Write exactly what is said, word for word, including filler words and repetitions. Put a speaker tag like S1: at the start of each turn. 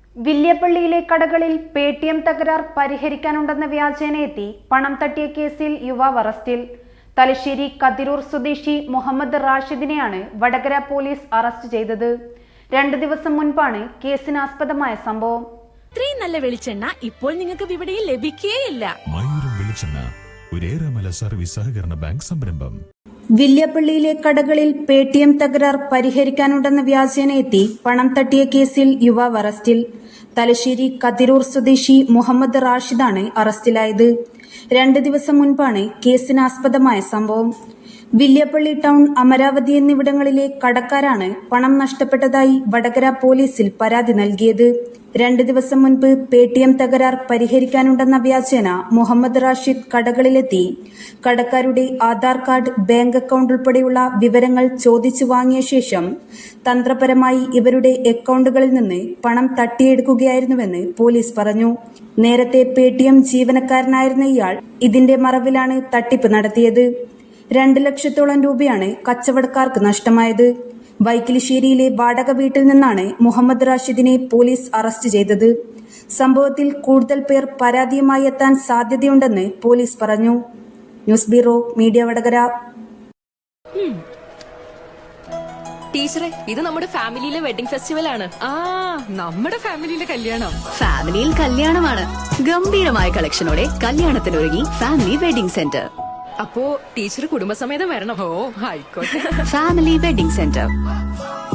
S1: വില്യപ്പള്ളിയിലെ കടകളിൽ pay T M തകരാർ പരിഹരിക്കാനുണ്ടെന്ന വ്യാജേന എത്തി പണം തട്ടിയ കേസിൽ യുവാവ് അറസ്റ്റിൽ. തലശ്ശേരി കതിരൂർ സ്വദേശി മുഹമ്മദ് റാഷിദിനെയാണ് വടകര പോലീസ് അറസ്റ്റ് ചെയ്തത്. രണ്ടു ദിവസം മുൻപാണ് കേസിനാസ്പദമായ സംഭവം.
S2: ഇത്രയും നല്ല വെളിച്ചെണ്ണ ഇപ്പോൾ നിങ്ങൾക്ക് വിപണിയിൽ ലഭിക്കുകയില്ല.
S3: സർവീസ് സഹകരണ ബാങ്ക് സംരംഭം.
S1: വില്യപ്പള്ളിയിലെ കടകളിൽ പേ ടി എം തകരാർ പരിഹരിക്കാനുണ്ടെന്ന വ്യാജേന എത്തി പണം തട്ടിയ കേസിൽ യുവാവ് അറസ്റ്റിൽ. തലശ്ശേരി കതിരൂർ സ്വദേശി മുഹമ്മദ് റാഷിദാണ് അറസ്റ്റിലായത്. രണ്ട് ദിവസം മുൻപാണ് കേസിനാസ്പദമായ സംഭവം. വില്യപ്പള്ളി ടൗൺ, അമരാവതി എന്നിവിടങ്ങളിലെ കടക്കാരാണ് പണം നഷ്ടപ്പെട്ടതായി വടകര പോലീസിൽ പരാതി നൽകിയത്. രണ്ട് ദിവസം മുൻപ് പേ ടി എം തകരാർ പരിഹരിക്കാനുണ്ടെന്ന വ്യാജേന മുഹമ്മദ് റാഷിദ് കടകളിലെത്തി കടക്കാരുടെ ആധാർ കാർഡ്, ബാങ്ക് അക്കൗണ്ട് ഉൾപ്പെടെയുള്ള വിവരങ്ങൾ ചോദിച്ചു വാങ്ങിയ ശേഷം തന്ത്രപരമായി ഇവരുടെ അക്കൗണ്ടുകളിൽ നിന്ന് പണം തട്ടിയെടുക്കുകയായിരുന്നുവെന്ന് പോലീസ് പറഞ്ഞു. നേരത്തെ പേ ടി എം ജീവനക്കാരനായിരുന്ന ഇയാൾ ഇതിന്റെ മറവിലാണ് തട്ടിപ്പ് നടത്തിയത്. രണ്ട് ലക്ഷത്തോളം രൂപയാണ് കച്ചവടക്കാർക്ക് നഷ്ടമായത്. വൈക്കിലിശ്ശേരിയിലെ വാടക വീട്ടിൽ നിന്നാണ് മുഹമ്മദ് റാഷിദിനെ പോലീസ് അറസ്റ്റ് ചെയ്തത്. സംഭവത്തിൽ കൂടുതൽ പേർ പരാതിയുമായി എത്താൻ സാധ്യതയുണ്ടെന്ന് പോലീസ് പറഞ്ഞു. News bureau, media Vadakara.
S4: ടീച്ചറെ, ഇത് നമ്മുടെ ഫാമിലിയിലെ വെഡിങ് ഫെസ്റ്റിവൽ ആണ്.
S2: ആ നമ്മുടെ ഫാമിലിയിലെ കല്യാണം.
S5: ഫാമിലിയിൽ കല്യാണമാണ്. ഗംഭീരമായ കളക്ഷനോടെ കല്യാണത്തിനൊരുങ്ങി ഫാമിലി വെഡിംഗ് സെന്റർ.
S4: അപ്പോ ടീച്ചർ കുടുംബസമേതം വരണം.
S2: ഓ ആയിക്കോട്ടെ.
S5: Family wedding centre.